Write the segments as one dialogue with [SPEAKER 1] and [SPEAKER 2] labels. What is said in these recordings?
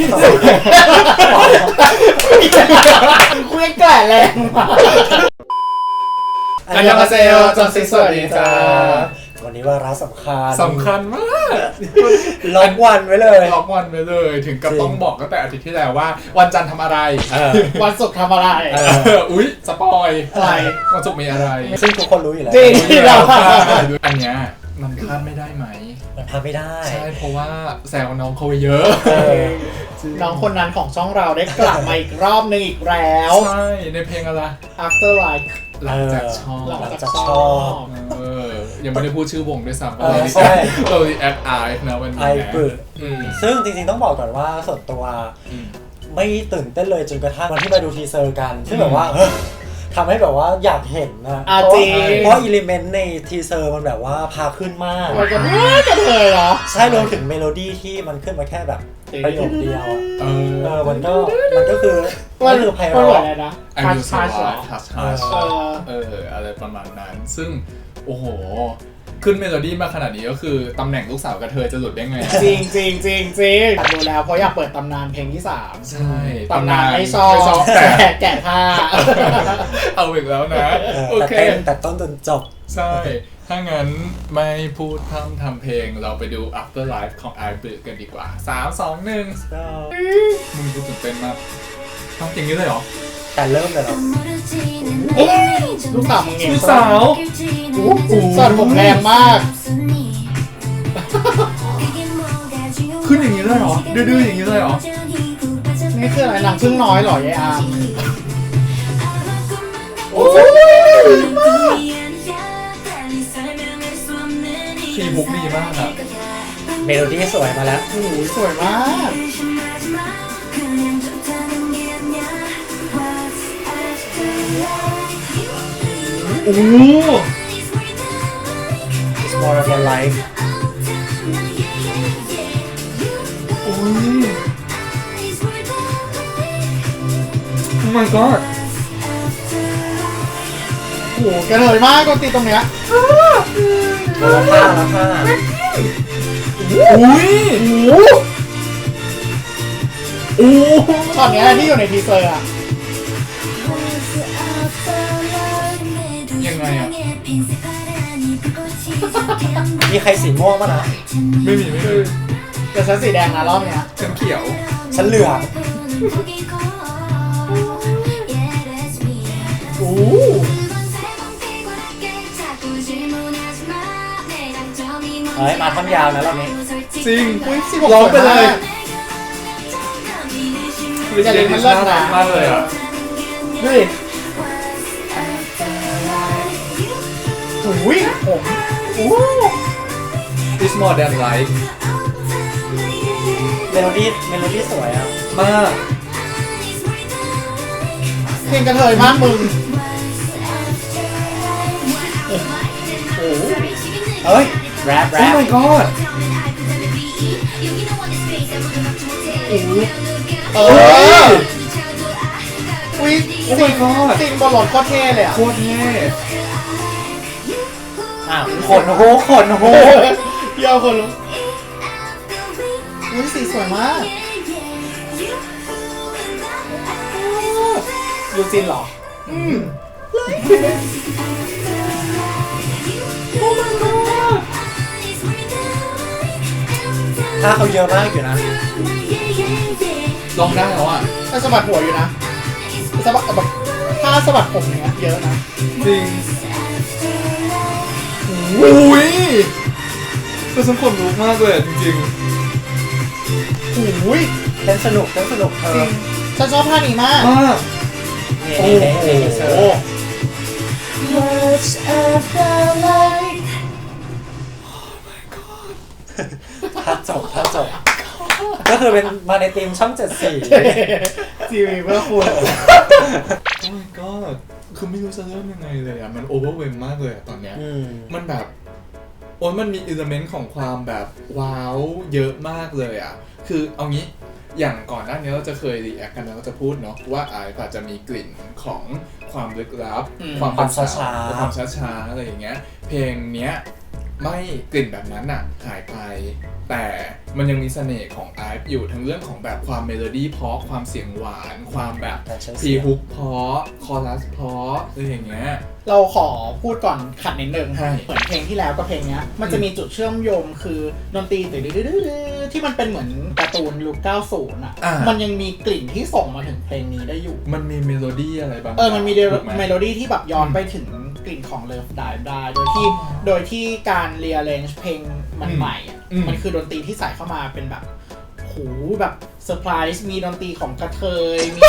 [SPEAKER 1] คุยแก่แรงมากอันยองฮาเซโยจอนซิสวัสดีจ้า
[SPEAKER 2] วันนี้วาระสำ
[SPEAKER 1] คัญมาก
[SPEAKER 2] ล็อกวันไว้
[SPEAKER 1] เลยถึงกับต้องบอกตั้งแต่อาทิตย์ที่แล้วว่าวันจันทร์ทำอะไรวันศุกร์ทำอะไรอุ๊ยสปอยอะไรวันศุกร์มีอะไร
[SPEAKER 2] ซึ่งทุกคนรู้อยู่แล้ว
[SPEAKER 1] จริงเราอันเนี้ยมันพลาดไม่ได้ไหม
[SPEAKER 2] มันพลาดไม่ได้
[SPEAKER 1] ใช่เพราะว่าแซวน้องเขาไปเยอะ
[SPEAKER 3] น้องคนนั้นของช่องเราได้กลับมาอีกรอบนึงอีกแล้ว
[SPEAKER 1] ใช่ในเพลงอะไร
[SPEAKER 3] After Like
[SPEAKER 1] หลังจากชอบยังไม่ได้พูดชื่อวงด้วยซ้ำเราแอดไอฟ์นะวันนี้
[SPEAKER 2] ซึ่งจริงๆต้องบอกก่อนว่าส่วนตัวไม่ตื่นเต้นเลยจนกระทั่งวันที่ไปดูทีเซอร์กันซึ่งแบบว่าทำให้แบบว่าอยากเห็นนะเพราะอิเลเมนต์ในทีเซอร์มันแบบว่าพาขึ้นมาก
[SPEAKER 3] มันจะเลยเหรอ
[SPEAKER 2] ใช่รวมถึงเมโลดี้ที่มันขึ้นมาแค่แบบประโยคเดียวมันก็คือไพเราะ
[SPEAKER 3] นะ
[SPEAKER 1] ทัชอะไรประมาณนั้นซึ่งโอ้โหขึ้นเมโลดี้มาขนาดนี้ก็คือตำแหน่งลูกสาวกระเทยจะหลุดได้ไง
[SPEAKER 3] จริงดูแล้วเพราะอยากเปิดตำนานเพลงที่3
[SPEAKER 1] ใช่
[SPEAKER 3] ตำนานไม่ชอบแกะผ้า
[SPEAKER 1] เอาอีกแล้วนะโอเค
[SPEAKER 2] แต่ต้นจนจบ
[SPEAKER 1] ใช่ถ้างั้นไม่พูดพร่ำทำเพลงเราไปดู After Life ของ iBook กันดีกว่า3 2 1มึงดูตื่นเต้นมากทำอย่างนี้เลยเหรอ
[SPEAKER 2] แต่เริ่มเลยเหรอ
[SPEAKER 3] ลูกสาวมึงเอง
[SPEAKER 1] ลูกสาว
[SPEAKER 3] สอนผมแรงมาก
[SPEAKER 1] ขึ้นอย่างนี้เลยเหรอดื้อๆอย่างนี้เลยเหรอ
[SPEAKER 3] นี่คืออะไรนางพึ่งน้อยเหรอยายอาร์ม
[SPEAKER 1] คีย์บุ๊กดีมากครับ
[SPEAKER 2] เมโลดี้สวยมาแล้ว
[SPEAKER 3] โอ้โหสวยมาก
[SPEAKER 1] โอ้
[SPEAKER 2] It's more of a life
[SPEAKER 1] โอ้ย Oh my god
[SPEAKER 3] โอ้โหกระเทยมากดนตรีตรงเนี้ย
[SPEAKER 2] แล้วผ้า
[SPEAKER 1] อุ้ยโอ้
[SPEAKER 3] ช็อตเนี้ยที่อยู่ในทีเซอร์อะ
[SPEAKER 1] ยังไงอะ
[SPEAKER 2] มีใครสีม่วงป่ะนะ
[SPEAKER 1] ไม่มี
[SPEAKER 3] แต่ฉันสีแดงนะรอบเนี้ย
[SPEAKER 1] ฉันเขียว
[SPEAKER 2] ฉันเหลือง
[SPEAKER 3] โอ้
[SPEAKER 2] มาท่อนยาวนะรอบนี้
[SPEAKER 1] จริง
[SPEAKER 3] ร้อง
[SPEAKER 1] ไปเลย
[SPEAKER 3] จะเล่นมันเลิศ
[SPEAKER 1] มากเลยอ่ะ
[SPEAKER 3] ดูดิโอ้ยผม
[SPEAKER 1] It's more than life
[SPEAKER 2] เมโลดี้สวยอ่ะ
[SPEAKER 1] มาก
[SPEAKER 3] เพลงกระเทยมากมึง
[SPEAKER 2] เฮ้ยแรป
[SPEAKER 1] Oh my god
[SPEAKER 3] อุ้ยจริงบอลลอนโคตรเท่เลยอ่ะ
[SPEAKER 1] โคตรเท่
[SPEAKER 2] ขนโห
[SPEAKER 3] เยี่ยวคนลุกอุ้ยสีสวยมากยูจินเหรอ
[SPEAKER 2] ถ้าเขาเยอะมากอยู่นะ
[SPEAKER 1] ลองได้แล้วอ่ะ
[SPEAKER 3] ถ้าสะบัดหัวอยู่นะสะบัดแบบถ้าสะบัดผมเนี้ยเยอะนะ
[SPEAKER 1] จริงอุ้ยก็ฉันขนลุกมากเลยจริง
[SPEAKER 3] ๆอุ้ย
[SPEAKER 2] เต้นสนุก
[SPEAKER 3] จริงฉันชอบท่านี้มาก
[SPEAKER 2] โอ้โหถ้าจบก็คือเป็นมาในทีมช่อง74
[SPEAKER 3] ทีวีเพื่อคุณ
[SPEAKER 1] Oh my god คือไม่รู้จะเริ่มยังไงเลยอ่ะมันโอเวอร์เวมมากเลยตอนเนี้ยมันแบบมันมีอิเลเมนต์ของความแบบว้าวเยอะมากเลยอ่ะคือเอางี้อย่างก่อนหน้านี้เราจะเคยรีแอคกันแล้วก็จะพูดเนาะว่าไอซ์อาจจะมีกลิ่นของความลึกลับ
[SPEAKER 2] ความช้า
[SPEAKER 1] อะไรอย่างเงี้ยเพลงเนี้ยไม่กลิ่นแบบนั้นอะหายไปแต่มันยังมีเสน่ห์ของไอฟ์อยู่ทั้งเรื่องของแบบความเมโลดี้เพราะความเสียงหวานความแบบพรีฮุกเพราะคอรัสเพราะอะไรอย่างเงี้ย
[SPEAKER 3] เราขอพูดก่อนขัดนิดนึง
[SPEAKER 1] ใช่
[SPEAKER 3] เหมือนเพลงที่แล้วกับเพลงเนี้ยมันจะมีจุดเชื่อมโยงคือดนตรีที่มันเป็นเหมือนการ์ตูนยุค90อ่ะมันยังมีกลิ่นที่ส่งมาถึงเพลงนี้ได้อยู่
[SPEAKER 1] มันมีเมโลดี้อะไรบาง
[SPEAKER 3] มันมีเมโลดี้ที่แบบย้อนไปถึงกลิ่นของ Love Dive ได้โดยที่การ rearrange เพลงมันใหม่มันคือดนตรีที่ใส่เข้ามาเป็นแบบโหแบบเซอร์ไพรส์มีดนตรีของกระเทยมี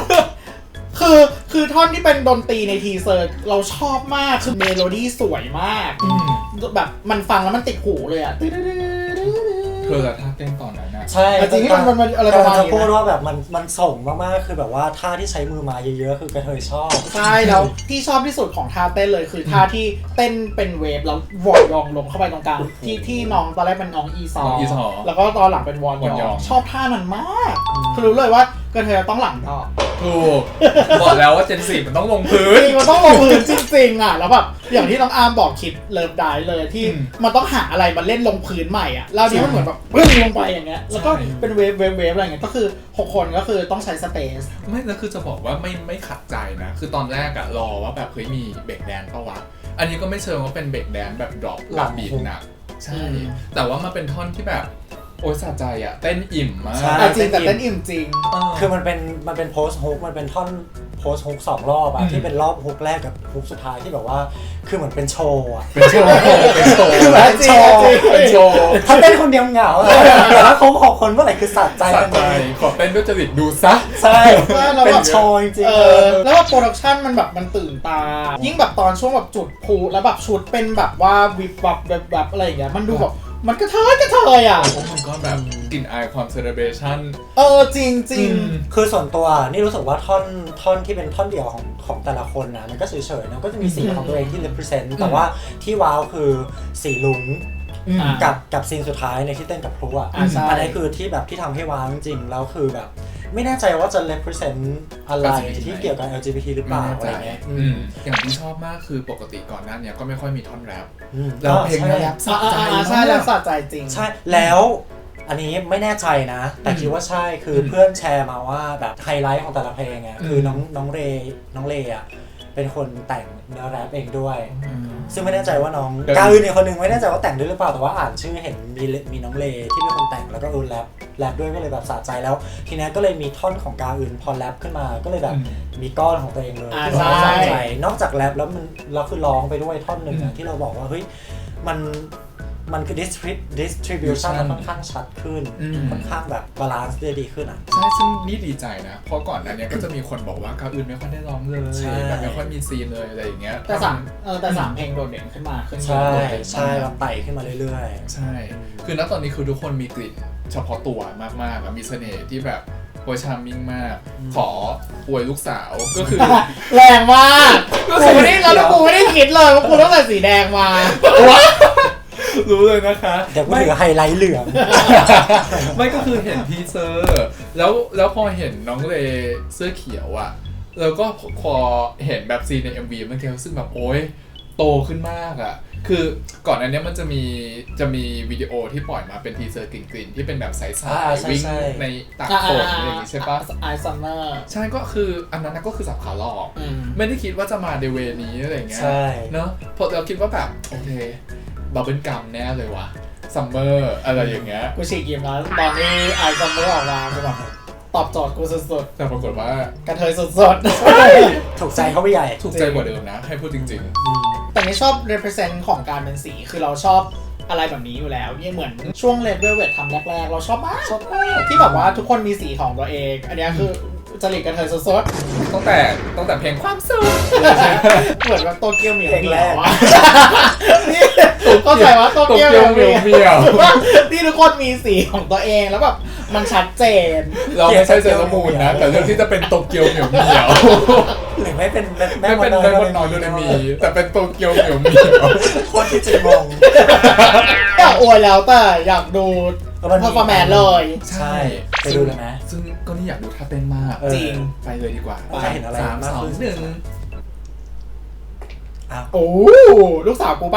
[SPEAKER 3] คือท่อนที่เป็นดนตรีในทีเซอร์เราชอบมากคือเมโลดี้สวยมากแบบมันฟังแล้วมันติดหูเลยอ่ะ
[SPEAKER 1] เธอละท่าเต้นตอนนั้นนะ
[SPEAKER 2] ใช่
[SPEAKER 3] จริงที่มันอะไรประมาณนี้
[SPEAKER 2] พูดว่าแบบมันส่งมากๆคือแบบว่าท่าที่ใช้มือมาเยอะๆคือกระเทยชอบ
[SPEAKER 3] ใช่แล้วที่ชอบที่สุดของท่าเต้นเลยคือท่าที่เต้นเป็นเวฟแล้ววอร์ยองลงเข้าไปตรงกลางที่น้องตอนแรกเป็นน้องอีซอแล้วก็ตอนหลังเป็นวอร์ยองชอบท่านั้นมากคือรู้เลยว่ากระเทยต้องหลังดอก
[SPEAKER 1] ถูกบอกแล้วว่าเจน4มันต้องลงพื้น
[SPEAKER 3] มันต้องลงพื้นจริงๆอ่ะแล้วแบบอย่างที่น้องอาร์มบอกคิดเลิฟได้เลยที่มันต้องหาอะไรมาเล่นลงพื้นใหม่อ่ะแล้วนี้มันเหมือนแบบปึ้งลงไปอย่างเงี้ยแล้วก็เป็นเวฟอะไรเงี้ยก็คือ6คนก็คือต้องใช้สเปซ
[SPEAKER 1] ไม่แล้วคือจะบอกว่าไม่ขัดใจนะคือตอนแรกอะรอว่าแบบเฮ้ยมีเบรกแดนซ์ปะวะอันนี้ก็ไม่เชิงว่าเป็นเบรกแดนซ์แบบดรอปหลับบีทนะใช่แต่ว่ามาเป็นท่อนที่แบบโอ้ยสะใจอะเต้นอิ่มมาก
[SPEAKER 3] จริงแต่เต้นอิ่มจริง
[SPEAKER 2] คือมันเป็นโพสต์ฮุกมันเป็นท่อนโพสต์ฮุก2รอบอะที่เป็นรอบฮุกแรกกับฮุกสุดท้ายที่แบบว่าคือเหมือนเป็นโชว์อะ
[SPEAKER 1] เป็นโชว์เป็นโชว์
[SPEAKER 2] ถ้าเต้นคนเดียวเหงาแต่ถ้าครบ6คนเมื่อไหร่คือสะใจ
[SPEAKER 1] ขอเต้นด้วยจริตดูซะ
[SPEAKER 2] ใช่เป็นโชว์จริง
[SPEAKER 3] ๆแล้วว่าโปรดักชั่นมันแบบมันตื่นตายิ่งแบบตอนช่วงแบบจุดพลุแล้วแบบชุดเป็นแบบว่าวิบวับแบบอะไรอย่างเงี้ยมันดูแบบมันกระเทยอ่ะ
[SPEAKER 1] โอ้มันก็แบบกลิ่นอายความเซเลบรชั่น
[SPEAKER 3] จริง
[SPEAKER 2] คือส่วนตัวนี่รู้สึกว่าท่อนที่เป็นท่อนเดี่ยวของแต่ละคนนะมันก็เฉยๆนะก็จะมีสีของตัวเองที่ represent แต่ว่าที่ว้าวคือสีลุงกับซีนสุดท้ายในที่เต้นกับพลุอ่ะอันนี้คือที่แบบที่ทำให้ว้าวจริงๆแล้วคือแบบไม่แน่ใจว่าจะ represent อะไรที่เกี่ยวกับ LGBT หรือเปล่าอะไรเงี้ย
[SPEAKER 1] อย่างที่ชอบมากคือปกติก่อนหน้านี้ก็ไม่ค่อยมีท่อนแรปแล้วเพลงแรปสะใจ
[SPEAKER 3] ใช่แล้วสะใจจริง
[SPEAKER 2] ใช่แล้วอันนี้ไม่แน่ใจนะแต่คิดว่าใช่คือเพื่อนแชร์มาว่าแบบไฮไลท์ของแต่ละเพลงอ่ะคือน้องเรย์อ่ะเป็นคนแต่งเนื้อแรปเองด้วยซึ่งไม่แน่ใจว่าน้องกาอื่นอีกคนนึงไม่แน่ใจว่าแต่งด้วยหรือเปล่าแต่ว่าอ่านชื่อเห็นมีน้องเลที่เป็นคนแต่งแล้วก็แรปด้วยก็เลยแบบสะใจแล้วทีนี้ก็เลยมีท่อนของกาอื่นพอแรปขึ้นมาก็เลยแบบมีก้อนของตัวเองเลย
[SPEAKER 3] สะใจ
[SPEAKER 2] นอกจากแรปแล้วเราคือร้องไปด้วยท่อนหนึ่งที่เราบอกว่าเฮ้ยมันคือ distribution มันค่อนข้างชัดขึ้นค่อนข้างแบบบาลานซ์ได้ดีขึ้นอ่ะ
[SPEAKER 1] ใช่ซึ่งนี่ดีใจนะเพราะก่อนอันนี้ก็จะมีคนบอกว่ากาอื่นไม่ค่อยได้ร้องเลยแบบไม่ค่อยมีซีนเลยอะไรอย่างเงี้ย
[SPEAKER 3] แต่3เพลงโดดเด่นขึ้นมา
[SPEAKER 2] ใช่เราไต่ขึ้นมาเรื่อย
[SPEAKER 1] ๆใช่คือณตอนนี้คือทุกคนมีกลิ่นเฉพาะตัวมากๆมีเสน่ห์ที่แบบโวยชาร์มมิ่งมากขออวยลูกสาวก็คือ
[SPEAKER 3] แรงมากกูไม่ได้คิดเลยว่ากูต้องใส่สีแดงมา
[SPEAKER 1] รู้เลยนะคะ
[SPEAKER 2] เดี๋ยวกูถือไฮไลท์เหลือง
[SPEAKER 1] ไม่ก็คือเห็นทีเซอร์แล้วพอเห็นน้องเลเสื้อเขียวอ่ะแล้วก็พอเห็นแบบซีนใน MV มันเทลซึ่งแบบโอ๊ยโตขึ้นมากอ่ะคือก่อนอันนี้มันจะมีวิดีโอที่ปล่อยมาเป็นทีเซอร์กลิ่นที่เป็นแบบใสๆวิ่งในตากฝนอะไรอย่างงี้ใช่ปะ
[SPEAKER 3] ไอซัมเมอร์
[SPEAKER 1] ใช่ก็คืออันนั้นก็คือสับขาหลอกไม่ได้คิดว่าจะมาในเวนี้อะไรอย่างเงี้ยเนาะพอเราคิดว่าแบบโอเคบับเบิ้ลกัมแน่เลยวะซัมเมอร์อะไรอย่างเงี้ย
[SPEAKER 3] กูฉีกยิ้มแล้วตอนนี้ไอซัมเมอร์ออกมากูแบบตอบโจทย์กูสุดๆ
[SPEAKER 1] แต่ปรากฏว่าก
[SPEAKER 3] ระเทยสุด
[SPEAKER 2] ๆถูกใจเขาไปใหญ่
[SPEAKER 1] ถูกใจกว่าเดิมนะให้พูดจริง
[SPEAKER 3] ๆแต่นี่ชอบ represent ของการเป็นสีคือเราชอบอะไรแบบนี้อยู่แล้วเนี่ยเหมือนช่วง Red Velvet ทำแรกๆเราชอบมากที่แบบว่าทุกคนมีสีของตัวเองอันนี้คือจริตกระเทยสด
[SPEAKER 1] ๆตั้งแต่เพลงความสุข
[SPEAKER 3] เหมือนแบบโตเกียวเหมียวนี่เข้าใจว่าโตเกียวเหมียวที่ทุกคนมีสีของตัวเองแล้วแบบมันชัดเจน
[SPEAKER 1] เราไม่ใช่เซเลมูนนะแต่เรื่องที่จะเป็นโตเกียวเหมียว
[SPEAKER 2] หรือไม่เป็น
[SPEAKER 1] แม่มดน้อยโดเรมีแต่เป็นโตเกียวเหมียว
[SPEAKER 2] โคตรที่จะงง
[SPEAKER 3] อยากอวยแล้วแต่อยากดูเพอร์ฟอร์แมนซ์เลย
[SPEAKER 2] ใช่ไปดูเลยไหม
[SPEAKER 1] ซึ่งก็นี่อยากดูท่าเต้นมาก
[SPEAKER 3] จริง
[SPEAKER 1] ไปเลยดีกว่า
[SPEAKER 2] ไปเห็นอะไร
[SPEAKER 1] 3 2 1
[SPEAKER 3] โอ้ลูกสาวกูปะ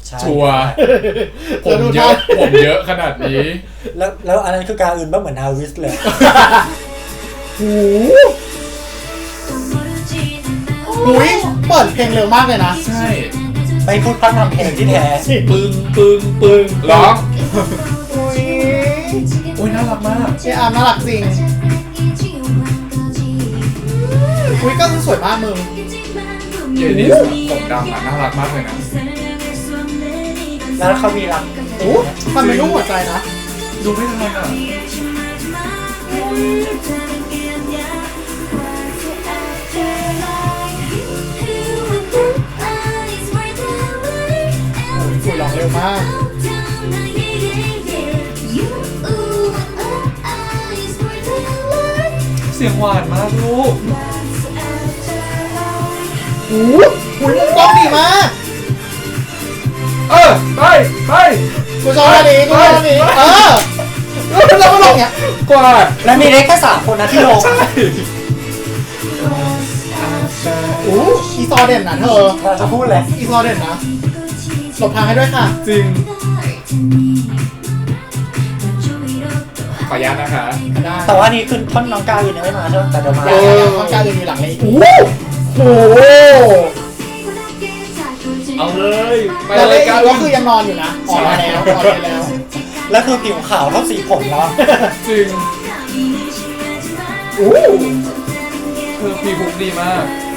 [SPEAKER 2] ใช่
[SPEAKER 1] ชัวร์ผมเยอะขนาดนี้
[SPEAKER 2] แล้วอันนั้นคือกาอื่นบ้างเหมือนนาวิสเลย
[SPEAKER 3] อุ้ยเปิดเพลงเร็วมากเลยนะ
[SPEAKER 1] ใช่
[SPEAKER 2] ไปพูดพร่ำทำเพลงที่แท้
[SPEAKER 1] ปึ้งร้องอุ้ยน่ารักมาก
[SPEAKER 3] เออาร์น่ารักจริงอุ้ยก็สวยมากมึง
[SPEAKER 1] เยนิสผมดำอ่ะน่ารักมากเลยนะ
[SPEAKER 2] แล้วเขามีรัก
[SPEAKER 3] โอ้มันเป็นรูปหัวใจนะ
[SPEAKER 1] ดูไม่ทันอ่ะ
[SPEAKER 3] สวยร้องเร็วมาก
[SPEAKER 1] เสียงหวานมากลูก
[SPEAKER 3] โอ้โหมุมกล้องดีมาก
[SPEAKER 1] ไป
[SPEAKER 3] กูชอบอันนี้แล้วก็ลงเนี้ย
[SPEAKER 1] กวาด
[SPEAKER 2] แล้วมีเล็กแค่3 คนนะที่ลง
[SPEAKER 1] ใช่
[SPEAKER 3] โอ้อีซอเด่นนะเธอ
[SPEAKER 2] เราจะพูดเลย
[SPEAKER 3] อีซอเด่นนะหลบทางให้ด้วยค่ะ
[SPEAKER 1] จริงขออนุญาตนะคะ
[SPEAKER 3] ได้
[SPEAKER 2] แต่ว่านี่คือท่อนน้องกาอื่นยังไม่มาใช่ไหมแต่เดี๋ยวมา
[SPEAKER 3] อย่างข้างกลางยังมีหลังเลยโอ้โห
[SPEAKER 1] เอาเลยไป
[SPEAKER 3] แล้ว
[SPEAKER 1] เล
[SPEAKER 3] เล่
[SPEAKER 1] ย
[SPEAKER 3] น
[SPEAKER 1] กัน
[SPEAKER 3] ก็คือยังนอนอยู่นะออกมาแล้วออกมาแล้ว
[SPEAKER 2] แล้วคือผิวขาวเท่าสีผมแล้ว
[SPEAKER 1] จริง
[SPEAKER 3] โอ้
[SPEAKER 1] คือพีพุกดีมาก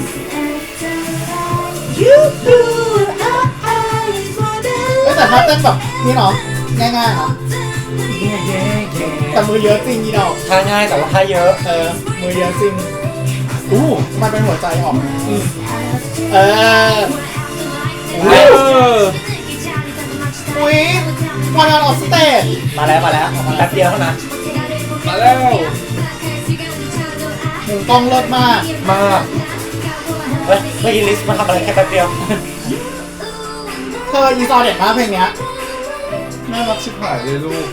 [SPEAKER 3] แต่ถ้าเต้นแบบนี่เนาะง่ายๆเนาะแต่มือเยอะจริงอีดอก
[SPEAKER 2] ท่าง่ายแต่ว่าท่าเยอะ
[SPEAKER 3] มือเยอะจริงมันเป็นหัวใจออกเออ อุ้ยวันออฟสเตจ
[SPEAKER 2] มาแล้วแป๊บเดียวเท่านั้น
[SPEAKER 1] มาแล้ว
[SPEAKER 3] มุมกล้องเลิศมาก
[SPEAKER 1] มาก
[SPEAKER 2] เฮ้ยเมื่อกี้ลิสต์มาทำอะไรแค่แป๊บเดียว
[SPEAKER 3] เธออีซอเด็ดมากเพลงเนี้ย
[SPEAKER 1] น่ารักชิบหายเลยลูก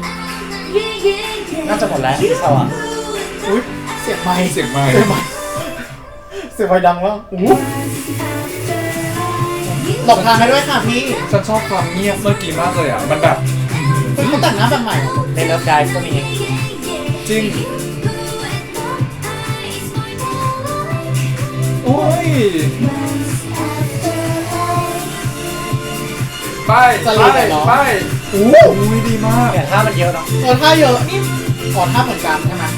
[SPEAKER 2] น่าจะหมดแล้วที่เขาอ่ะ
[SPEAKER 3] อุ้ยเสียงไมค์
[SPEAKER 1] เสียงไมค์
[SPEAKER 3] เสียงไมค์ดังแล้วหลบทางให้ด้วยค่ะพี่
[SPEAKER 1] ฉันชอบความเงียบเมื่อกี้มากเลยอ่ะ มันแบบ
[SPEAKER 3] เขาแต่งหน้าแบบใหม่
[SPEAKER 2] ในเลิฟไดฟ์ก็มี
[SPEAKER 1] จริง โอ้ย ไปอุ้ยดีมาก
[SPEAKER 2] แต่ท่ามันเยอะเนาะ
[SPEAKER 3] ท่าเยอะนี่ขอท่าเหมือนกันใช่ไหม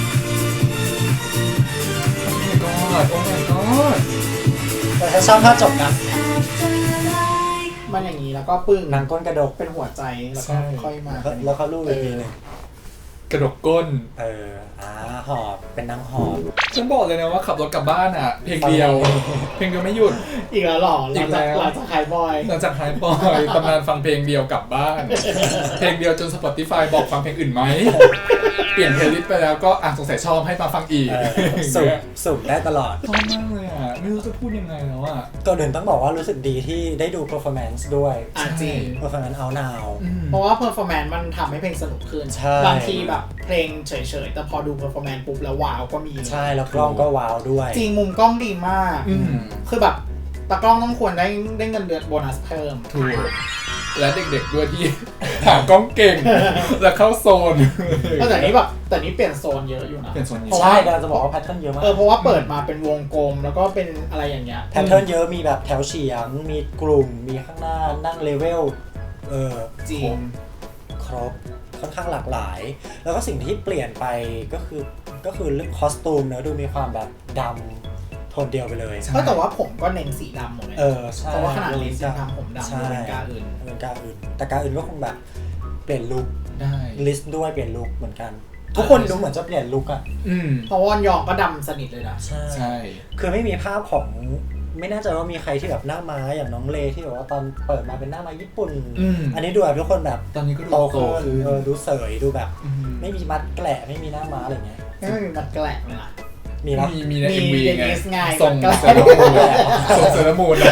[SPEAKER 1] โอ้ my god
[SPEAKER 2] แต่ถ้าชอบท่าจบนะ
[SPEAKER 3] มันอย่างนี้แล้วก็ปึ้ง
[SPEAKER 2] นางก้นกระดก
[SPEAKER 3] เป็นหัวใจแล้วก็ค่อยมา
[SPEAKER 2] แล้วเขาลูกอีกทีหนึง
[SPEAKER 1] กระดกก้น
[SPEAKER 2] หอบเป็นนางหอบ
[SPEAKER 1] ฉันบอกเลยนะว่าขับรถกลับบ้านอ่ะ เพลงเดียว เพลงเดียวไม่หยุด
[SPEAKER 3] อีกแล้วหรอ
[SPEAKER 1] อีกแล้ว
[SPEAKER 3] หลังจากไฮบอย
[SPEAKER 1] หลังจากหายบอยตำนานฟังเพลงเดียวกลับบ้าน เพลงเดียวจน Spotify บอกฟังเพลงอื่นไหม เปลี่ยนเพลย์ลิสต์ไปแล้วก็สงสัยชอบให้มาฟังอีก
[SPEAKER 2] สุ่มได้ตลอด
[SPEAKER 1] ชอบมากเลยอ่ะ ไม่รู้จะพูดยังไงแล้วอ่ะ
[SPEAKER 2] ก่อนอื่นต้องบอกว่ารู้สึกดีที่ได้ดู performance ด้วย
[SPEAKER 3] จริง
[SPEAKER 2] performance out now
[SPEAKER 3] เพราะว่าเพอร์ฟอร์แมนซ์มันทำให้เพลงสนุกขึ้น
[SPEAKER 2] ใช่
[SPEAKER 3] บางทีแบบเพลงเฉยๆ แต่พอดูเพอร์ฟอร์แมนซ์ปุ๊บแล้วว้าวก็มี
[SPEAKER 2] ใช่แล้วกล้องก็ว้าวด้วย
[SPEAKER 3] จริงมุมกล้องดีมาก คือแบบตากล้องต้องควรได้เงินเดือนโบนัสเพิ่ม
[SPEAKER 1] ถูก และเด็กๆด้วยที่ หากล้องเก่ง และเข้าโซน
[SPEAKER 3] แต่นี้เปลี่ยนโซนเยอะอยู่นะ
[SPEAKER 1] เปลี่ยนโซนเยอะ
[SPEAKER 3] เพราะ
[SPEAKER 2] ใช่
[SPEAKER 3] ว่า
[SPEAKER 2] กำลังจะบอกว่าแพทเทิร์นเยอะมาก
[SPEAKER 3] เพราะว่าเปิดมาเป็นวงกลมแล้วก็เป็นอะไรอย่างเงี้ย
[SPEAKER 2] แพทเทิร์นเยอะมีแบบแถวเฉียง มีกลุ่ม มีข้างหน้านั่งเลเวล
[SPEAKER 3] จริง
[SPEAKER 2] ครบค่อนข้างหลากหลาย แล้วก็สิ่งที่เปลี่ยนไปก็คือเรื่องคอสตูมเนอะดูมีความแบบดำโทนเดียวไปเลย
[SPEAKER 3] แต่ว่าผมก็เน้นสีดำหมดเลย
[SPEAKER 2] ใช่
[SPEAKER 3] เพราะว่าขนาดลิสต์ทำผมดำ
[SPEAKER 2] ใช่
[SPEAKER 3] เป็นกาอื่น
[SPEAKER 2] เป็นกาอื่น แต่กาอื่นก็คงแบบเปลี่ยนลุค
[SPEAKER 1] ได้
[SPEAKER 2] ลิสต์ด้วยเปลี่ยนลุคเหมือนกัน ทุกคนดูเหมือนจะเปลี่ยนลุคอะ
[SPEAKER 3] เพราะว่ายองก็ดำสนิทเลยนะ
[SPEAKER 1] ใช่
[SPEAKER 2] คือไม่มีภาพของไม่แน่ใจว่ามีใครที่แบบหน้าม้าอย่างน้องเลที่แบบว่าตอนเปิดมาเป็นหน้าม้าญี่ปุ่น อันนี้ดูแบบทุกคนแบบ
[SPEAKER 1] ตอนนี้ก็ดู
[SPEAKER 2] โต
[SPEAKER 1] โต
[SPEAKER 2] ขึ้น
[SPEAKER 1] ขึ้น
[SPEAKER 2] ดูเสยดูแบบ
[SPEAKER 1] อืม
[SPEAKER 2] ไม่มีมัดแกละไม่มีหน้าม้าอะไรเงี้ย
[SPEAKER 3] ไม่มีมันแกลกเลยนะ
[SPEAKER 2] มีนะ
[SPEAKER 1] มีใน
[SPEAKER 3] มี
[SPEAKER 1] MV
[SPEAKER 3] เด
[SPEAKER 1] ไง
[SPEAKER 3] นิสไง
[SPEAKER 1] ส่ง
[SPEAKER 3] มันก็
[SPEAKER 1] เซรามูนส่งเซรามูนอะ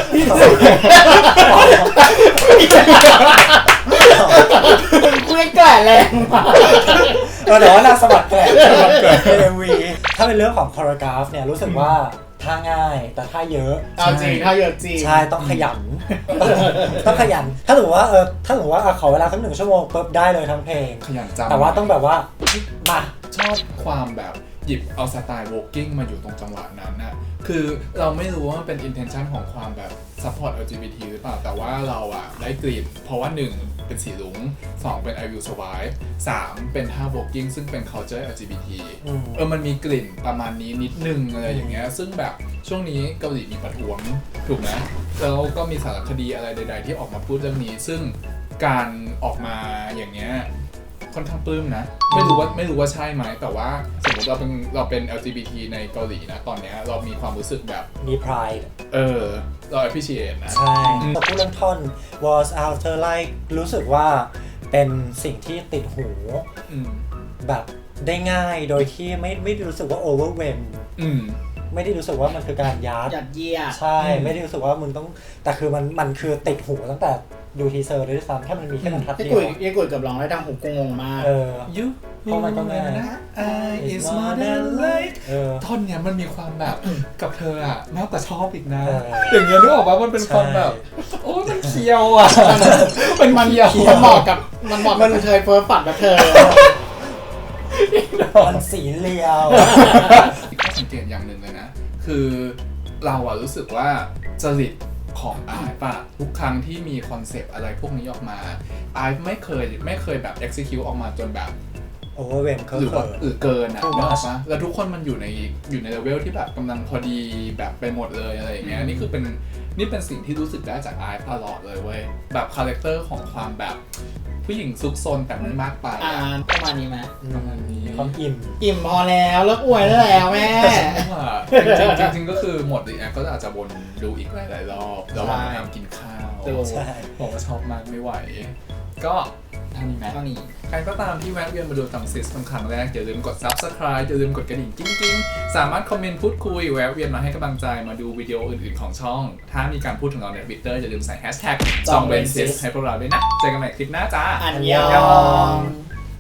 [SPEAKER 3] คุยแกลกแรงมาก
[SPEAKER 2] แต่ว่านางสะบัดแกละใน MV ถ้าเป็นเรื่องของคอร์กราฟเนี่ยรู้สึกว่าท่าง่ายแต่ท่าเยอะ
[SPEAKER 3] เอาจริงถ้าเยอะจริง
[SPEAKER 2] ใช่ต้องขยัน ต้องขยันถ้าสมมติว่าขอเวลาสัก1 ชั่วโมงปุ๊บได้เลยทั้งเพลง
[SPEAKER 1] ขยันจำ
[SPEAKER 2] แต่ว่าต้องแบบว่ามา
[SPEAKER 1] ชอบความแบบหยิบเอาสไตล์ walking มาอยู่ตรงจังหวะนั้นน่ะคือเราไม่รู้ว่ามันเป็น intention ของความแบบ support LGBT หรือเปล่าแต่ว่าเราอะได้กลิ่นเพราะว่า 1 เป็นสีลุง 2 เป็น I Will Survive 3 เป็นท่า walking ซึ่งเป็น culture LGBT มันมีกลิ่นประมาณนี้นิดนึงอะไรอย่างเงี้ยซึ่งแบบช่วงนี้เกาหลีมีประท้วงถูกไหมแล้วก็มีสารคดีอะไรใดๆที่ออกมาพูดเรื่องนี้ซึ่งการออกมาอย่างเงี้ยค่อนข้างปลื้มนะไม่รู้ว่าใช่ไหมแต่ว่าสมมติเราเป็น LGBT ในเกาหลีนะตอนเนี้ยเรามีความรู้สึกแบบ
[SPEAKER 2] มี pride
[SPEAKER 1] เรา appreciate นะ
[SPEAKER 2] ใช่แต่พูดเรื่องท่อน was after like รู้สึกว่าเป็นสิ่งที่ติดหูแบบได้ง่ายโดยที่ไม่ได้รู้สึกว่า overwhelm ไม่ได้รู้สึกว่ามันคือการยัด
[SPEAKER 3] เยียด
[SPEAKER 2] ใช่ไม่ได้รู้สึกว่ามึงต้องแต่คือมันคือติดหูตั้งแต่ดูทีเซอร์เลยด้วยซ้ำแค่มันมีแค่บรรทัดเดียว
[SPEAKER 3] ยี่กุยกับร้องได้ดังหูกูงงมาก
[SPEAKER 1] You
[SPEAKER 2] เพราะมันก็ง่าย
[SPEAKER 1] is more than light ท่อนเนี้ยมันมีความแบบกับเธออะมากกว่าชอบอีกนะอย่างเงี้ยนึกออกว่ามันเป็นความแบบโอ้มันเคียวอ่ะ
[SPEAKER 3] มันเหมาะกับเธอเฟิร์สฝันกับเธอ
[SPEAKER 2] มันสีเลียว
[SPEAKER 1] ข้อสังเกตอย่างหนึ่งเลยนะคือเราอะรู้สึกว่าจริตของไอฟ์อะทุกครั้งที่มีคอนเซปต์อะไรพวกนี้ออกมาไอฟ์ไม่เคยแบบ execute ออกมาจนแบบ
[SPEAKER 2] overwhelm
[SPEAKER 1] หรือว่าเกินอะนึกออกปะแล้วทุกคนมันอยู่ในเลเวลที่แบบกำลังพอดีแบบไปหมดเลยอะไรอย่างเงี้ยนี่เป็นสิ่งที่รู้สึกได้จากไอฟ์ตลอดเลยเว้ยแบบคาแรคเตอร์ของความแบบผู้หญิงซุกซนแต่ไม่มากไป
[SPEAKER 3] ประมาณนี้ไหม
[SPEAKER 1] ประมาณนี้
[SPEAKER 2] ความ
[SPEAKER 3] อิ่มพอแล้วเลิกอวยได้แล้วแม่
[SPEAKER 1] จริงก็คือหมดรีแอคก็อาจจะวนดูอีกหลายรอบระหว่างทำกินข้าวบอกว่าชอบมากไม่ไหวก็เท่านี้ไหมใครก็ตามที่แวะเวียนมาดูตังซิสเป็นครั้งแรกอย่าลืมกด Subscribe อย่าลืมกดกระดิ่งกิ้งสามารถคอมเมนต์พูดคุยแวะเวียนมาให้กำลังใจมาดูวิดีโออื่นๆของช่องถ้ามีการพูดถึงเราใน Twitter อย่าลืมใส่ #jongwensis ให้พวกเราด้วยนะเจอกันใหม่คลิปหน้าจ้า
[SPEAKER 3] อันยอง